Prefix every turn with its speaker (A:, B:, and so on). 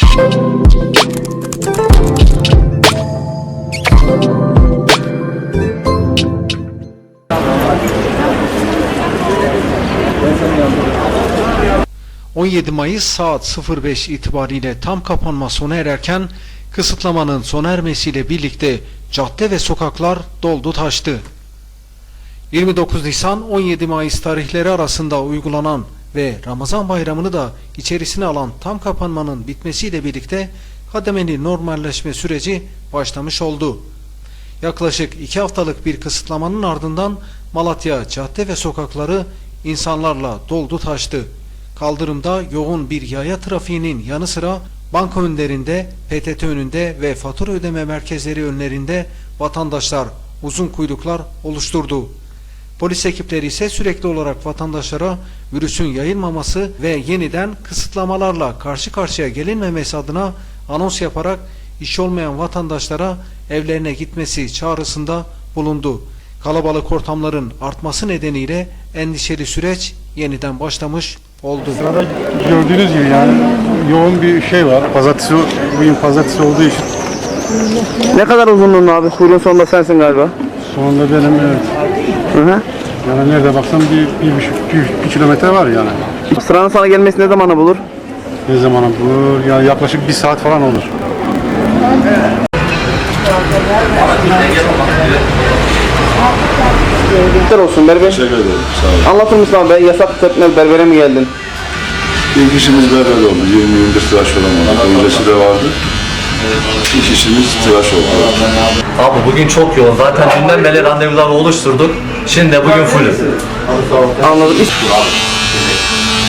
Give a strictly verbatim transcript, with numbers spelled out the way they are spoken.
A: on yedi Mayıs saat sıfır beş itibariyle tam kapanma sona ererken kısıtlamanın sona ermesiyle birlikte cadde ve sokaklar doldu taştı. yirmi dokuz Nisan on yedi Mayıs tarihleri arasında uygulanan ve Ramazan bayramını da içerisine alan tam kapanmanın bitmesiyle birlikte kademeli normalleşme süreci başlamış oldu. Yaklaşık iki haftalık bir kısıtlamanın ardından Malatya cadde ve sokakları insanlarla doldu taştı. Kaldırımda yoğun bir yaya trafiğinin yanı sıra banka önlerinde, P T T önünde ve fatura ödeme merkezleri önlerinde vatandaşlar uzun kuyruklar oluşturdu. Polis ekipleri ise sürekli olarak vatandaşlara virüsün yayılmaması ve yeniden kısıtlamalarla karşı karşıya gelinmemesi adına anons yaparak iş olmayan vatandaşlara evlerine gitmesi çağrısında bulundu. Kalabalık ortamların artması nedeniyle endişeli süreç yeniden başlamış oldu.
B: Sırada gördüğünüz gibi yani yoğun bir şey var. Pazartesi, bugün pazartesi olduğu için.
C: Ne kadar uzunluğun abi? Kuyruğun sonunda sensin galiba.
B: Sonunda benim, evet.
C: Hı hı.
B: Yani nerede baksam bir, bir, buçuk, bir, bir kilometre var yani.
C: Sıranın sana gelmesi ne zamana bulur?
B: Ne zaman bu? Yani yaklaşık bir saat falan olur.
C: Güzel olsun berber.
D: Teşekkür ederim. Sağ olun.
C: Anlatır mısın abi? Ben yasak tepmez berbere mi geldin?
D: İlk işimiz berber oldu. yirmi yıldır tıraş olamadık. Öncesi de vardı. İlk işimiz tıraş oldu.
E: Abi bugün çok yoğun. Zaten dünden beri randevuları oluşturduk. Şimdi de bugün full.
C: Anladım.